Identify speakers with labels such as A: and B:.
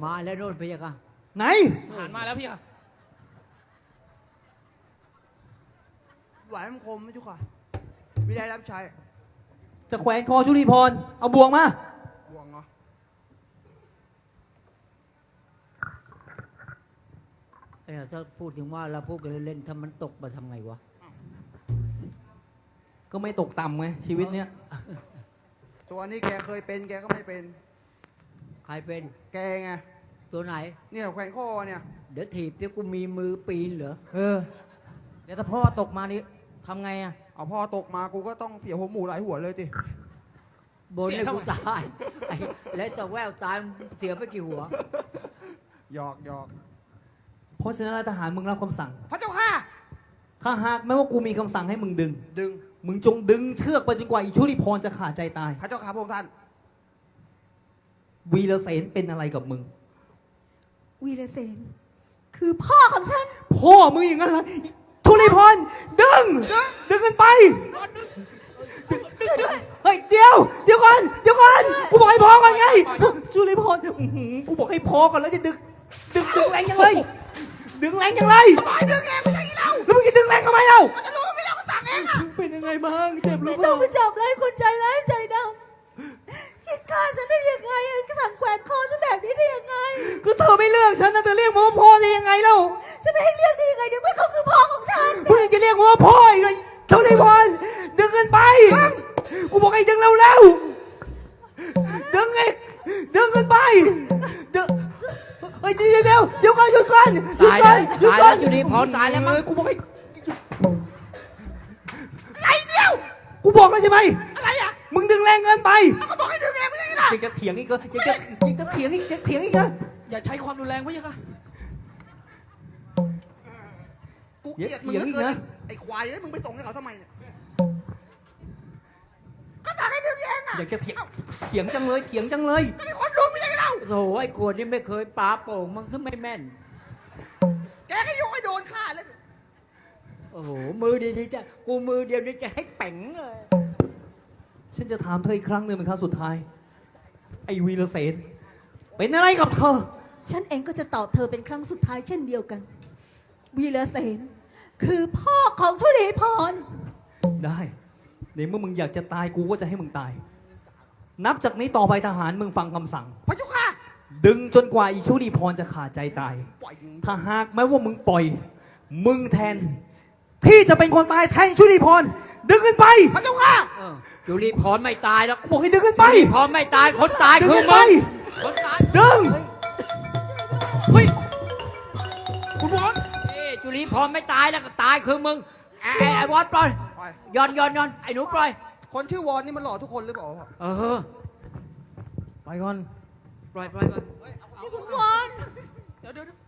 A: มาแล้วโน่นพี่ค่ะ
B: ไหน
C: ทหารมาแล้วพี่ค่ะ
D: ไหวมันคมไหมจุกค่ะวิได้รับใช้
B: จะแขวนคอชุลีพรเอาบ่วงมา
D: บ่วงเหรอ
A: ถ้าพูดถึงว่าเราพูดกันเล่นๆถ้ามันตกมาทำไงวะ
B: ก็ไม่ตกต่ำไงชีวิตเนี้ย
D: ตัวนี้แกเคยเป็นแกก็ไม่เป็น
A: ใครเป็น
D: แกไง
A: ตัวไหน
D: เนี่ยแขวนคอเนี่ย
A: เดี๋ยวถีบเดี๋ยวกูมีมือปีนเหรอ
C: เดี๋ยวถ้าพ่อตกมานี่ทำไงอ่ะ
D: เอาพ่อตกมากูก็ต้องเสียหัวหมูหลายหัวเลยติ
A: บนให้กูตายแล้วแต่แววตายเสียไปกี่หัว
D: หยอกหยอก
B: เพราะฉะนั้นทหารมึงรับคำสั่ง
D: พระเจ้าค่ะ
B: ถ้าหากแม้ว่ากูมีคำสั่งให้มึงดึง
D: ดึง
B: มึงจงดึงเชือกไปจนกว่าอีชุลีพรจะขาดใจตาย
D: พระเจ้าค่ะพระองค์ท่าน
B: วีรเสนเป็นอะไรกับมึง
E: วีรเสนคือพ่อของฉัน
B: พ่อมึงอย่างนั้นเหรออีชุลีพรดึงกันไปเฮ้ยเดี๋ยวก่อนกูบอกให้พอก่อนไงชุลีพรกูบอกให้พอก่อนแล้วจะดึงแรงยังเลยดึงแรงยังเลย
D: ดึงเองไม่ใช่อีเรา
B: แล้วมึงจะดึงแรงทำไมเล่า
D: จะรู้ไม่เราก็สั่งเองอะ
B: เป็นยังไงบ้างเจ็บหรือ
E: ไม่
B: เป
E: ต้อ
B: ล่าง
E: ไปจับไล่คนใจร้ายใจดำคิดฆ่าฉันได้ยังไงสั่งแขวนคอฉันแบบนี้ได้ยังไง
B: ก็เธอไม่เลือกฉันนะเธอเรียกผมว่าพ่อได้ยังไงเล่า
E: จะไม่ให้เรียกได้ยังไงเดี๋ยวเมื่อเขาคือพ่อของฉัน
B: มึงยังจะเรียกผมว่าพ่ออีกเลยชุลีพรดึงกันไปกูบอกให้ดึงเร็วดึงกันไปดึงเฮ้ยเดี๋ยวก่อนหยุดก่อน
A: ตายแล้วอยู่ดีพรตายแล้วมั้ง
B: กูบอกให้
D: อะไรเดียว
B: กูบอกแล้วใช่ไหม
D: อะไรอ่ะ
B: มึงดึงแรงเกินไป
D: เขาบอกให้ดึงเองไม่ใช่อีเรา
B: ยังจะเถียงอีกเหรอยังจะเถียงอีกเหรอ
C: อย่าใช้ความรุนแรงพี่ค่ะ
D: กูเกลียดมึงเหลือเกินไอ้ควายเอ้ยมึงไปส่งให้เขาทำไมเนี่ยก็สั่งให้ดึงเองอ่ะ
B: อยากจะเถียงจังเลย
D: จะมีคนรู้ไม่ใช่อีเรา
A: โอ้โหไอ้ขวดนี่ไม่เคยปาโป่งมันก็ไม่แม่น
D: แกก็โยกให้โดนฆ่าเลย
A: โอ้โหมือดีๆจะกูมือเดียวนี่จะให้เป่งเลย
B: ฉันจะถามเธออีกครั้งหนึ่งเป็นครั้งสุดท้ายไอ้วีรเสนเป็นอะไรกับเธอ
E: ฉันเองก็จะตอบเธอเป็นครั้งสุดท้ายเช่นเดียวกัน วีรเสนคือพ่อของชุลีพร
B: ได้ในเมื่อมึงอยากจะตายกูก็จะให้มึงตาย นับจากนี้ต่อไปทหารมึงฟังคำสั่ง
D: พระเจ้าค่ะ
B: ดึงจนกว่าอีชุลีพรจะขาดใจตาย
D: ปล่อย
B: ถ้าหากแม้ว่ามึงปล่อย มึงแทน ที่จะเป็นคนตายแทนชุลีพรดึงขึ้นไป
D: พระเจ้าค่ะ
A: จุลีพรไม่ตายแล้ว
B: บอกให้ดึงขึ้นไป
A: จุลีพรไม่ตายคนตาย
B: ดึง
A: คือ
B: ขึ้นไป
A: มึงคนตาย
B: ดึง
C: เฮ้ยคุณวอน
A: จุลีพรไม่ตายแล้วก็ตายคือมึงไอ้วอดปล่อย
D: ปล่อย
A: ย้อนไอ้หนูปล่อย
D: คนชื่อวอนนี่มันหล่อทุกคนหรือเปล่าพ่อ
A: เออ
B: ไปก่อน
A: ปล่อย
E: คุณวอน
C: เดี๋ยว